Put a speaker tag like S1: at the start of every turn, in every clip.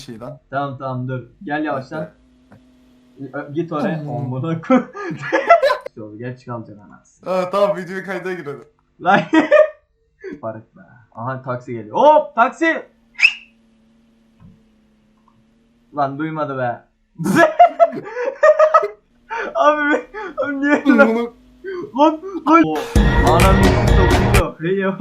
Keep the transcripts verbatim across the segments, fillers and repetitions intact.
S1: şey lan.
S2: Tamam tamam dur. Gel yavaştan. Ö- Git oraya. Amına koy. Şöyle geç kalacaksın anasını.
S1: Aa, tamam videoyu kayda girelim.
S2: Lan. Fark be. Aha taksi geliyor. Hop taksi. Lan duymadı be. abi, abi niye lan?
S1: Bunu
S2: Lan lan. O, anam yüzü dokunuyor. Hey ya.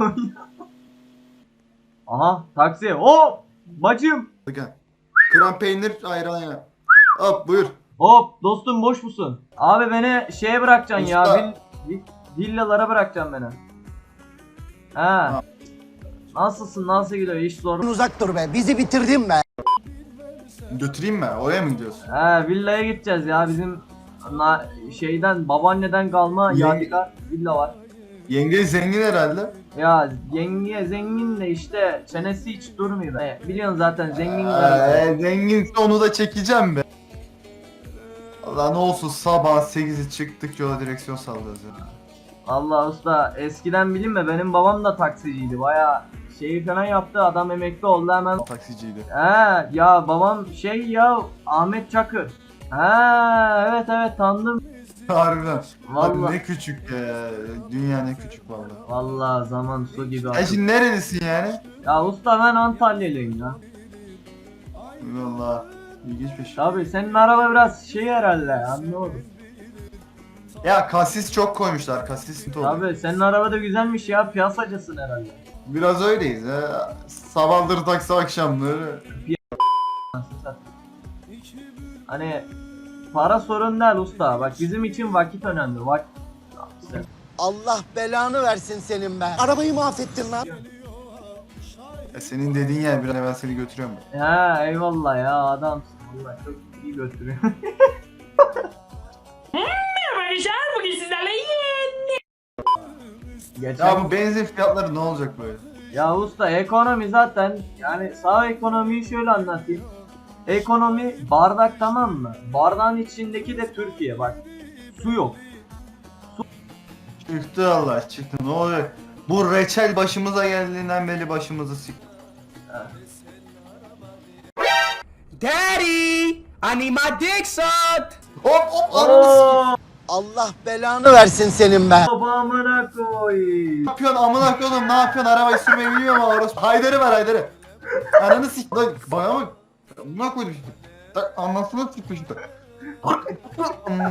S2: Aha taksi. Hop. Bacım.
S1: gel. Krem peynir ayran ya. Hop buyur.
S2: Hop dostum boş musun? Abi beni şeye bırakacaksın ya.
S1: Usta.
S2: Vill, vill, villalara bırakacaksın beni. Ha. Nasılsın? Nasıl gidiyor? İş zor.
S3: Uzak dur be. Bizi bitirdin be.
S1: Götüreyim mi? Oraya mı gidiyorsun?
S2: He villaya gideceğiz ya bizim na, şeyden babaanneden kalma
S1: Yenge-
S2: yadigar villa var.
S1: Yenge zengin herhalde.
S2: Ya yenge zengin de işte çenesi hiç durmuyor. E, biliyorsun zaten zengin karı.
S1: Ee, zenginse onu da çekeceğim be. Allah ne olsun sabah sekizi çıktık yola direksiyon sallıyoruz ya.
S2: Allah usta eskiden bilin mi benim babam da taksiciydi baya şeyi falan yaptı adam emekli oldu hemen.
S1: Taksiciydi.
S2: He ya babam şey ya Ahmet Çakır. He evet evet tanıdım.
S1: Harbiden.
S2: Vallahi.
S1: Abi ne küçük ya. Dünya ne küçük vallahi.
S2: Vallahi zaman su gibi
S1: Sen
S2: akıyor.
S1: şimdi nerelisin yani?
S2: Ya usta ben Antalyalıyım ya.
S1: Vallahi ilginç bir şey.
S2: Tabii senin araba biraz şey herhalde anlamadım.
S1: Ya kasis çok koymuşlar. Kasis dolu.
S2: Tabii senin araba da güzelmiş ya piyasacısın herhalde.
S1: Biraz öyleyiz ha. Sabahları taksi akşamları.
S2: Hani para sorun değil usta bak bizim için vakit önemli vakit.
S3: Allah belanı versin senin be. Arabayı mahvettin lan.
S1: Ya senin dediğin yer bir an evvel seni götürüyorum.
S2: He eyvallah ya adamsın vallahi çok iyi götürüyor.
S4: Merhaba arkadaşlar, bugün sizlerle yeni...
S2: Geçen...
S1: Ya bu benzin fiyatları ne olacak böyle?
S2: Ya usta ekonomi zaten yani sağ ekonomiyi şöyle anlatayım. Ekonomi bardak tamam mı? Bardağın içindeki de Türkiye bak. Su yok.
S1: Çıktı Allah çıktı ne olacak? Bu reçel başımıza geldiğinden beri başımızı sik.
S5: Daddy, I need my dick sucked.
S1: Hop hop ananı sik.
S3: Allah belanı versin senin be.
S2: Babamına koy.
S1: Ne yapıyorsun amına koydum ne yapıyorsun arabayı sürmeyi bilmiyor mu orası? Haydar'ı ver Haydar'ı. Ananı sik lan bana bak. Amına koydum şimdi. Tak anasını sikmiş işte. Amına.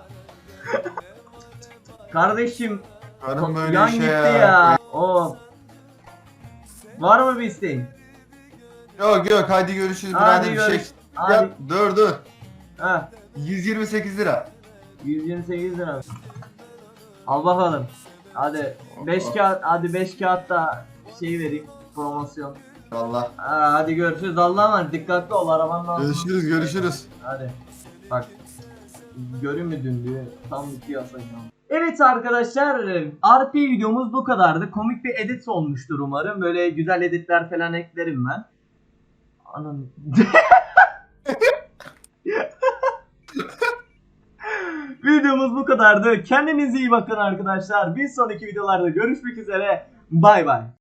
S2: Kardeşim
S1: Karım böyle
S2: yan
S1: şey
S2: gitti
S1: ya.
S2: ya. O. Var mı bir isteğin?
S1: Yok yok hadi görüşürüz
S2: Hadi
S1: birader bir şey.
S2: görüş- hadi.
S1: Ya dur dur.
S2: Ha.
S1: yüz yirmi sekiz lira.
S2: yüz yirmi sekiz lira. Al bakalım. Hadi beş kağıt hadi beş kağıt da şey vereyim promosyon.
S1: Allah.
S2: Ha, hadi görüşürüz Allah'a emanet dikkatli ol arabanın altında.
S1: Görüşürüz görüşürüz.
S2: Hadi. Bak. Görün mü dün diye tam iki yasayacağım. Evet arkadaşlar R P videomuz bu kadardı. Komik bir edit olmuştur umarım. Böyle güzel editler falan eklerim ben. Anam. Videomuz bu kadardı. Kendinize iyi bakın arkadaşlar. Bir sonraki videolarda görüşmek üzere. Bay bay.